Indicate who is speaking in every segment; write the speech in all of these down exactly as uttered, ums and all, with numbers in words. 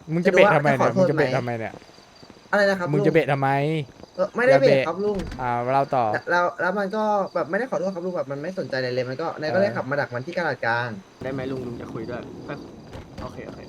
Speaker 1: มึงจะเบะทำไม
Speaker 2: จะ
Speaker 1: เนี่ย
Speaker 2: ดู
Speaker 1: มึง
Speaker 2: ว่าจะขอโทษ
Speaker 1: จะเบะ
Speaker 2: ไหม
Speaker 1: ทำไมเนี่ย
Speaker 2: อะไรนะครับ
Speaker 1: มึง
Speaker 2: ลุง
Speaker 1: จะเบะทำไม
Speaker 2: เออไม่ได้
Speaker 1: อย่า
Speaker 2: เบรก
Speaker 1: เบะ
Speaker 2: ครับลุง
Speaker 1: อ่าเราต่อ
Speaker 2: แล้วแล้วมันก็แบบไม่ได้ขอโทษครับลุงแบบมันไม่สนใจอะไรเลยมันก็นายก็เลยขับมาดักมันที่กลาดกลาง
Speaker 3: ได้ไหมลุงลุงจะคุยด้วยค่อยโอเคโอเค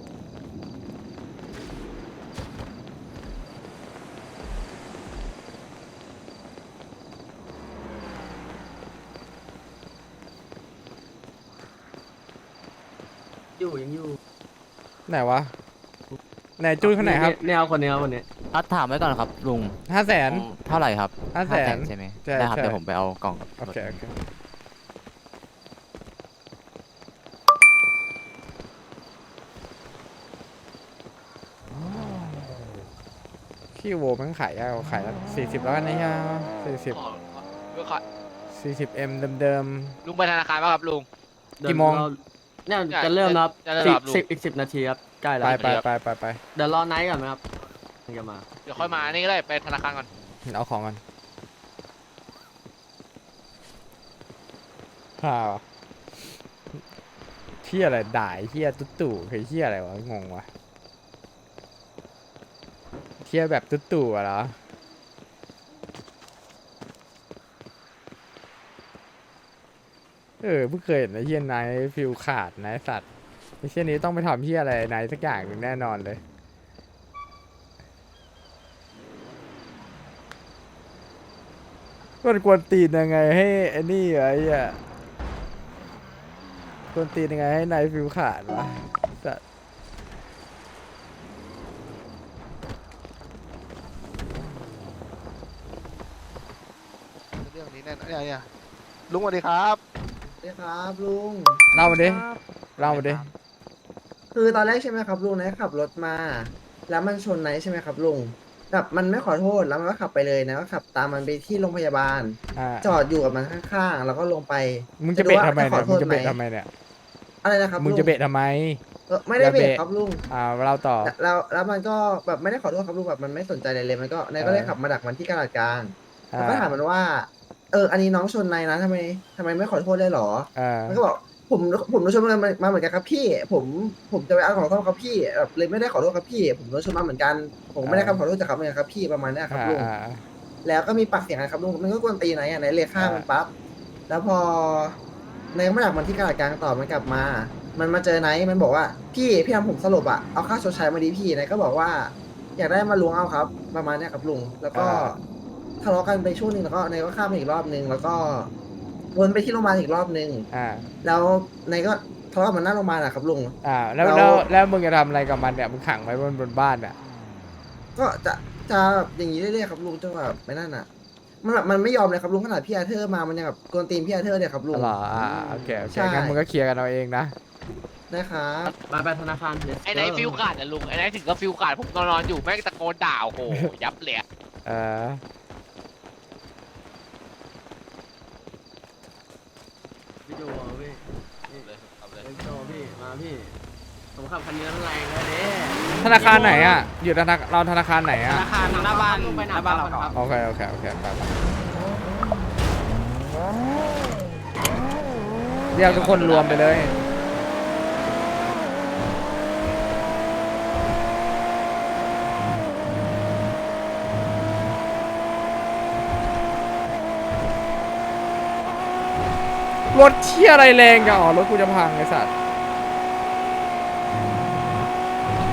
Speaker 3: อยู่ยังอยู่
Speaker 1: ไหนวะไหนจุ้ยคนไหนครับ
Speaker 3: เนี่ยเอาคนนี้เอาคนนี้
Speaker 4: อ่ะถามไว้ก่อนครับลุง
Speaker 1: ห้าแสน
Speaker 4: เท่าไหร่ครับ
Speaker 1: ห้าแสน
Speaker 4: ใช่ไหม
Speaker 1: ใช่
Speaker 4: ได้ครับ
Speaker 1: ใช่
Speaker 4: เดี๋ยวผมไปเอากล่องกับ
Speaker 1: โอเคโอเคขี้โวมันขายยากกว่าขายสี่สิบแล้วกันนะฮะสี่สิบ
Speaker 5: ลุงขอ
Speaker 1: สี่สิบเอ็มเดิม
Speaker 5: ลุงไปธนาคารป่ะครับลุง
Speaker 1: กี่โมง
Speaker 3: เดี๋ยวเราเนี่ยจะเริ่มแล้วครับ
Speaker 5: จะจะเริ่
Speaker 3: สิ
Speaker 5: ม
Speaker 3: บ
Speaker 5: ครับลุง
Speaker 3: สิบอีกสิบนาทีครับใกล้
Speaker 1: ๆ
Speaker 3: แล้ว
Speaker 1: ไปไปไปไปไป
Speaker 3: เดี๋ยวรอไนท์ก่อนไหมครับถึงจะมา
Speaker 5: เดี๋ยวค่อยมา นี่ก็ได้ไปธนาคารก่อน
Speaker 1: เอาของกันฮ่าวะเที่ยอะไรด่ายเที่ยตุ๊ตู่คือเที่ยอะไรวะงงวะเที่ยแบบตุ๊ตู่อะเหรอเออเพิ่งเคยเห็นไอ้เฮียไนท์ฟิลขาดไนท์สัตว์ไอ้เชี่ยนี้ต้องไปทำเฮียอะไรไนท์สักอย่างหนึ่งแน่นอนเลยมันกวนตีนยังไงให้ไอ้นี่วะไอ้เหี้ยกวนตีนยังไงให้ไนท์ฟิลขาดวะสัตว์
Speaker 6: เรื่องนี้แน่นเนี่ยเนี่ยลุงสวัสดีครับ
Speaker 2: สวัสดีครับลุง
Speaker 1: เล่ามาดิเล่ามาดิ
Speaker 2: คือตอนแรกใช่ไหมครับลุงนายขับรถมา แล้วมันชนนายใช่ไหมครับลุงแบบมันไม่ขอโทษแล้วมันก็ขับไปเลยนะก็ขับตามมันไปที่โรงพยาบาล
Speaker 1: อ่า
Speaker 2: จอดอยู่กับมันข้างๆแล้วก็ลงไป
Speaker 1: มึงจะเบะทำไม
Speaker 2: ข
Speaker 1: เนี่
Speaker 2: อย โท
Speaker 1: มึง
Speaker 2: ษ
Speaker 1: จะ
Speaker 2: ไหม
Speaker 1: เบะทำไมเนี่ย
Speaker 2: อะไรนะครับ
Speaker 1: มึง
Speaker 2: ลุ
Speaker 1: จะเบะทำไม
Speaker 2: เออไม่ได้
Speaker 1: อย่า
Speaker 2: เบร
Speaker 1: เบะ
Speaker 2: กครับลุง
Speaker 1: อ่าเราต่อ
Speaker 2: แล้วแล้วมันก็แบบไม่ได้ขอโทษครับลุงแบบมันไม่สนใจอะไรเลยมันก็นายก็เลยขับมาดักมันที่กลาดกลาง
Speaker 1: อ่า
Speaker 2: แล้วก็ถามมันว่า เออ อันนี้น้องชนนายนะทำไมทำไมไม่ขอโทษเลยเหรอ
Speaker 1: อ่า
Speaker 2: มันก็บอกผมผมโดนชนมามาเหมือนกันครับพี่ ผมผมจะไปเอาของโทษครับพี่แบบเลยไม่ได้ขอโทษครับพี่ ผมโดนชนมาเหมือนกัน ผมไม่ได้คำขอโทษจากเขาเหมือนกันครับพี่ประมาณเนี้ยครับ
Speaker 1: อ่า
Speaker 2: ลุง
Speaker 1: อ่า
Speaker 2: แล้วก็มีปากเสียงกันครับลุงมันก็กวนตีนไหนอ่ะไหนเลยฆ่ามันปั๊บแล้วพอในก็ไม่ดักมันที่กลาดกลางต่อมันกลับมา มันมาเจอไนท์มันบอกว่าพี่พี่ทำผมสลบอ่ะเอาค่าชดใช้มาดีพี่ไนท์ก็บอกว่า อยากได้มาล้วงเอาครับ ประมาณเนี้ยครับลุงแล้วก็ทะเลาะกันไปช่วงหนึ่งแล้วก็ไนท์ก็ข้ามมาอีกรอบนึงแล้วก็วนไปที่โรงพยาบาลอีกรอบนึง
Speaker 1: อ่า
Speaker 2: แล้วไนท์ก็ทะเลาะกับมันหน้าโรงพยาบาลอะครับลุง
Speaker 1: อ่าแล้ว
Speaker 2: เรา
Speaker 1: แล้วแล้วมึงจะทำอะไรกับมันเนี่ยมึงขังไว้บนบนบ้านอ่ะ
Speaker 2: ก็จะจะแบบอย่างนี้เรื่อยๆครับลุงจนแบบไม่นั่นอ่ะ มันแบบมันไม่ยอมเลยครับลุงขนาดพี่อาเธอร์มามันยังแบบกวนตีนพี่อาเธอร์เนี่ยครับลุง
Speaker 1: เหรออ่าโอเคโอเค
Speaker 2: ใช่
Speaker 1: งั้นมึงก็เคลียร์กันเอาเองนะ
Speaker 2: นะครับ
Speaker 3: มาไปธนาคาร Let's
Speaker 5: ไอ้ไหน
Speaker 3: go
Speaker 5: ฟิวขาดอะลุง ไอ้ไหนถึงก็ฟิวขาด ผมนอนๆอยู่แม่งตะโกนด่าโอ้โห ยับเลยอะ
Speaker 1: เออ
Speaker 3: พี่โจพี่นี่
Speaker 5: เลยเอาเลย
Speaker 3: พี่โจพี่มาพี่ผมขับคันนี้มันแรงเลยเด้
Speaker 1: ธนาคารไหนอ่ะอยู่ธนาเราธนาคารไหน
Speaker 3: ธ
Speaker 1: อ่ะ
Speaker 3: นาคารหน้าบ้านหน้าบ้านเราครับ
Speaker 1: โอเคโอเคโอเคไปไปเรียกทุกคนรวมไปเลยรถเที่ยอะไรแรงจังอ๋อรถกูจะพังไอ้สัตว์